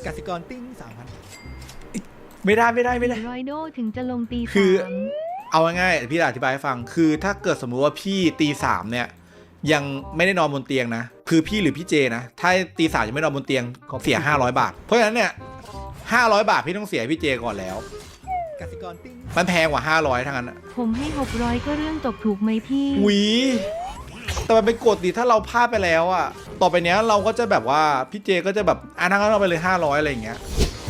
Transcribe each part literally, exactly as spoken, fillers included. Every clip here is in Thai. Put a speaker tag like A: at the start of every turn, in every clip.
A: กสิกรติ้งสามพัน
B: ไม่ได้ไม่ได้ไม่ได้
C: รอยโดถึงจะลงตี
B: คือ
C: สาม
B: เอาง่ายๆพี่อธิบายให้ฟังคือถ้าเกิดสมมุติว่าพี่ตีสามเนี่ยยังไม่ได้นอนบนเตียงนะคือพี่หรือพี่เจนะถ้าตีสามยังไม่นอนบนเตียงเสียห้าร้อยบาทเพราะฉะนั้นเนี่ยห้าร้อยบาทพี่ต้องเสียพี่เจก่อนแล้ว
A: กสิกรติ้ง
B: มันแพงกว่าห้าร้อยทั้งนั้นอะ
C: ผมให้หกร้อยก็เรื่องตกถูกไหมพี่
B: หวีแต่มันเป็นกฎดิถ้าเราพลาดไปแล้วอะต่อไปเนี้ยเราก็จะแบบว่าพี่เจก็จะแบบอ่ะนั่งเราไปเลยห้าร้อยอะไรอย่างเงี้ย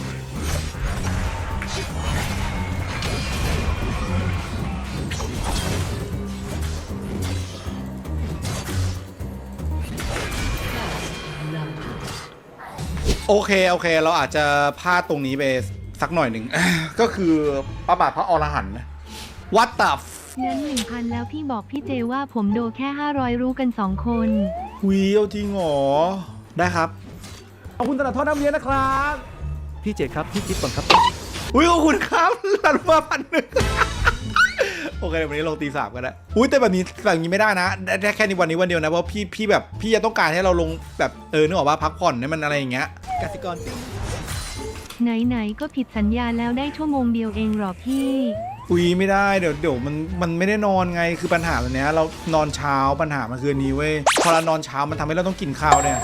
B: โอเคโอเคเราอาจจะพลาดตรงนี้ไปสักหน่อยหนึ่ง ก็คือประบาทพระอรหันต์วัดตับ
C: งั้นหนึ่งพันแล้วพี่บอกพี่เจว่าผมโดแค่ห้าร้อยรู้กันสองคน
B: วีเอาจริงเหรอได้ครับ
A: ขอบคุณตลาดทอดน้ำเลี้ยงนะครับ
D: พี่เจครับพี่คิดก่อนครับ
B: อุ้ยขอบคุณครับหลันมาพันหนึ่ง โอเควันนี้ลงตีสามกันแล้วอุ้ยแต่แบบนี้แบบนี้ไม่ได้นะได้แค่ในวันนี้วันเดียวนะเพราะพี่พี่แบบพี่จะต้องการให้เราลงแบบเออนึกออกว่าพักผ่อนให้มันอะไรอย่างเงี้ย
A: กสิกรติ้ง
C: ไหนๆก็ผิดสัญญาแล้วได้ชั่วโมงเดียวเองหรอพี่
B: อุ้ยไม่ได้เดี๋ยวเดี๋ยวมันมันไม่ได้นอนไงคือปัญหาแบบเนี้ยเรานอนเช้าปัญหามันคืออันนี้เว้ยพอเรานอนเช้ามันทำให้เราต้องกินข้าวเนี่ย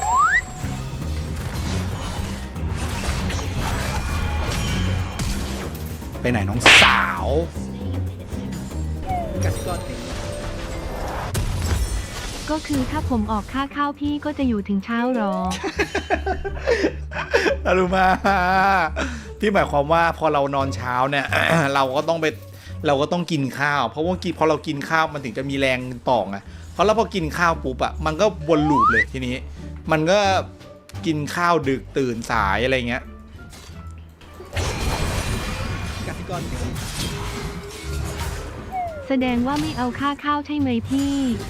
B: ไปไหนน้องสาว
A: กสิกรติ้ง
C: ก็คือถ้าผมออกค่าข้าวพี่ก็จะอยู่ถึงเช้าหรอ
B: อรุมาพี่หมายความว่าพอเรานอนเช้าเนี่ย เราก็ต้องไปเราก็ต้องกินข้าว เพราะว่ากินพอเรากินข้าวมันถึงจะมีแรงต่อไงเพราะแล้วพอกินข้าวปุ๊บอะมันก็วนลูปเลยทีนี้ มันก็กินข้าวดึกตื่นสายอะไรเงี้ย
A: กสิกรติ้ง
C: แสดงว่าไม่เอาค่าข้าวใช่ไหมพี่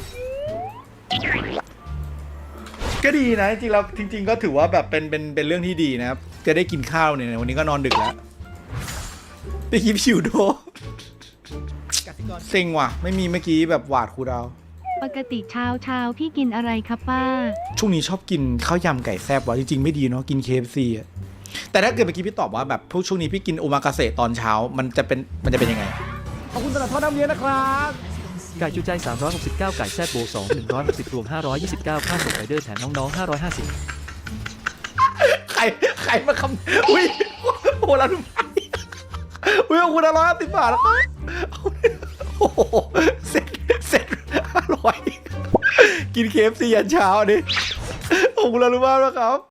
B: ก็ดีนะจริงๆแล้วจริง ๆ ก็ถือว่าแบบเป็นเป็นเป็นเรื่องที่ดีนะครับจะได้กินข้าวเนี่ยวันนี้ก็นอนดึกแล้วไปกินผิวโด
A: กสิกร
B: เซ็งว่ะไม่มีเมื่อกี้แบบหวาดครูดาว
C: ปกติเช้าเช้าพี่กินอะไรครับป้า
B: ช่วงนี้ชอบกินข้าวยำไก่แซ่บว่ะจริงๆไม่ดีเนาะกิน เค เอฟ ซี อ่ะแต่ถ้าเกิดเมื่อกี้พี่ตอบว่าแบบพวกช่วงนี้พี่กินโอมากาเสะตอนเช้ามันจะเป็นมันจะเป็นยังไง
A: ขอบคุณตลาดทอดน้ำเลี้ยงนะครับ
D: ไก่จูใจสามร้อยหกสิบเก้าไก่แซ่บโบสอง หนึ่งร้อยหกสิบรวมห้าร้อยยี่สิบเก้าค่าส่งไรเดอร์แถมน้องๆห้าร้อยห้าสิบ
B: ใครใครมาคำอุ้ยโอ้ละทุกอุ้ยขอบคุณอร่อยสิบบาทแล้วครับโอ้โหเสร็จเสร็จอร่อยกิน เค เอฟ ซี ยันเช้าดิขอบคุณอร่อยมากนะครับ